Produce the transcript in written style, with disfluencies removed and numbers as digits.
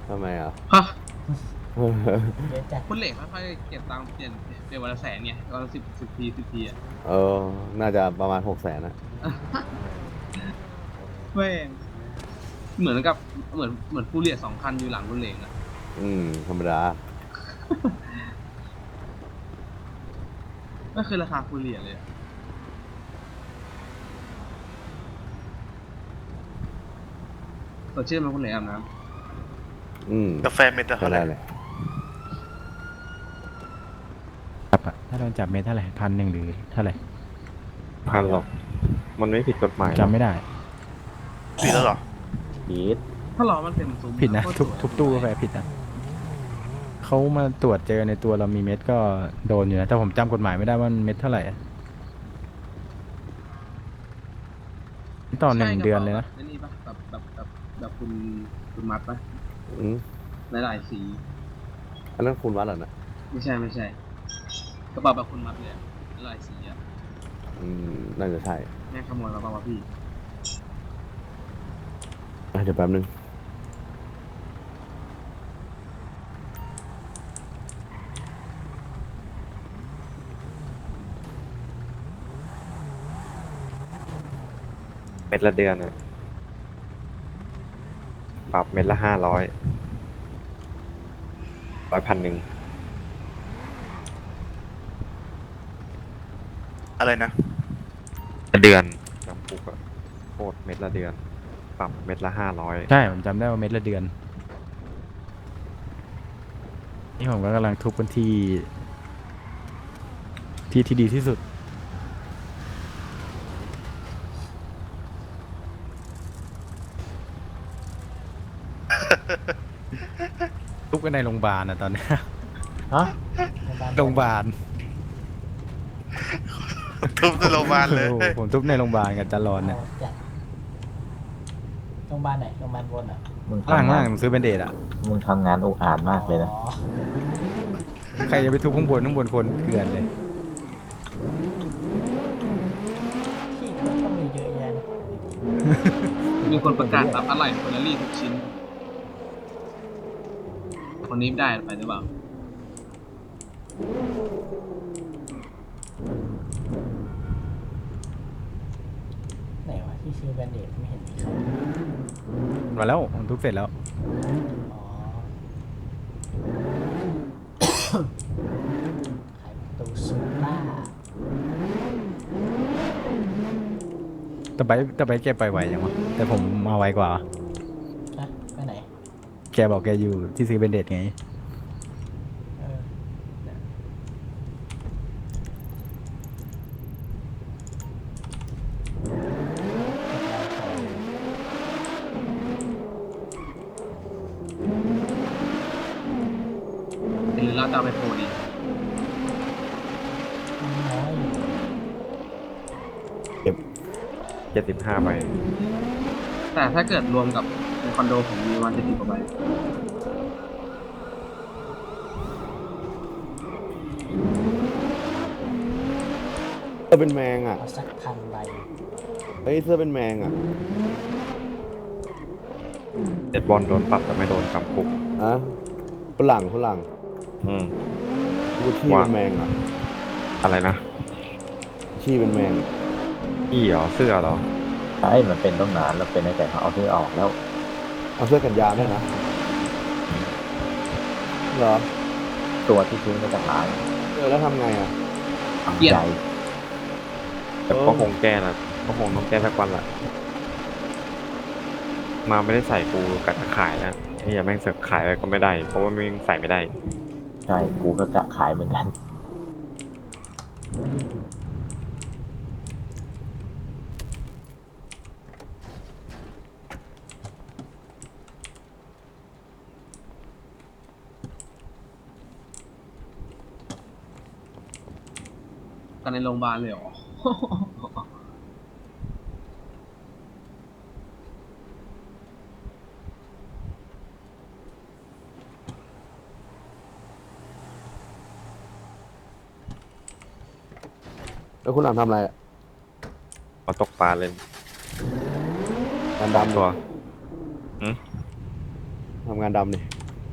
ทำไมอ่ะฮะเยอะจัดคุณเหล็กค่อยๆเก็บตังค์เปลี่ยนวันละ100,000ไงวันละ10 ทีอ่ะเออ น่าจะประมาณ600,000นะแม่งเหมือนกับเหมือนฟูเรีย2 คันอยู่หลังคุณเหล็กอ่ะธรรมดาก็คือราคาฟูเรียเลยอะสดชื่นไหมคุณเหล็กอาบน้กาแฟเม็ดละก็เท่าไหร่ได้เลยครับอะถ้าโดนจับเมตรเท่าไหร่1,100หรือเท่าไหร่พันหรอก มันไม่ผิดกฎหมายจำไม่ได้ปีแล้วเหรอผิดำถ้าล้อมันเต็มซุ้มผิดนะโคตรทุบตู้กาแฟผิดนะเขามาตรวจเจอในตัวเรามีเม็ดก็โดนอยู่นะแต่ผมจำกฎหมายไม่ได้ว่ามันเม็ดเท่าไหร่อะต่อ1 เดือนเลยนะใช่กรป๋าแบบนี่ปะแบบคุณมัดปะอืมหลายๆสีอันนั้นคุณวัดเหรอนะไม่ใช่กระเป๋าแบบคุณมัดเลยอะหลายสีอ่ะน่าจะใช่แม่งขโมยมาเปล่าวะพี่เดี๋ยวแป๊บนึงเม็ดละเดือนอะปรับเม็ดละ500 1,100 อะไรนะเดือนจำคุกอะโทษเม็ดละเดือน ปรับเม็ดละ500 ใช่ผมจำได้ว่าเม็ดละเดือนนี่ผมก็กำลังทุบกันที่ดีที่สุด ทุบกันในโรงพยาบาลนะตอนเนี้ยฮะโรงพยาบาลทุบในโรงพยาบาลเลยโอ้โหผมทุบในโรงพยาบาลกับจารอนเนี่ยจัดโรงพยาบาลไหนโรงพยาบาลบนอ่ะมึงล่างทำงานซื้อเป็นเดทอ่ะมึงทำงานอุกอาจมากเลยนะอ๋อใครจะไปทุบข้างบนคนเกลือนเลยที่มันต้องมีเยอะแยะนะมีคนประกาศรับอะไรเฟอร์รารี่ทุกชิ้น คนนี้ได้ไปหรือเปล่าไหนวะที่ชื่อแบนเดดไม่เห็นมีใครมาแล้วผมทุบเสร็จแล้วอ๋อขายประตูซูล่าแต่ไปแกไปไวอย่างวะแต่ผมมาไวกว่านะไปไหนแกบอกแกอยู่ที่ซื้อเป็นเดทไงเออเนี่ยหรือเราจะเอาไปโพลดีน้อยอยู่ 75 ใบแต่ถ้าเกิดรวมกับในคอนโดผมมีวัน70 กว่าใบเสื้อเป็นแมงอ่ะเอาสัก1,000 ใบเฮ้ย เสื้อเป็นแมงอ่ะเด็ดบอลโดนปรับแต่ไม่โดนจำคุกอะฝรั่งอืมกูชี้เป็นแมงอ่ะอะไรนะชี้เป็นแมงอี้เหรอ เสื้อเหรอใช่มันเป็นต้องนานแล้วเป็นตั้งแต่เขาเอาที่ออกแล้วเอาเสื้อกันยาวด้วยนะ เหรอตัวที่ทิ้งก็จะหายแล้วทำไงอ่ะทำใจแต่ก็คงแก้นะก็คงต้องแก้สักวันแหละ มาไม่ได้ใส่กูกัดจะขายนะไอ้เหี้ยแม่งเสือกขายอะไรก็ไม่ได้ เพราะว่าแม่งใส่ไม่ได้ใช่ กูก็จะขายเหมือนกันกันในโรงพยาบาลเลยเหรอแล้วคุณหลังทำอะไรอะเอาตกปลาเลยงานดำตัวทำงานดำนี่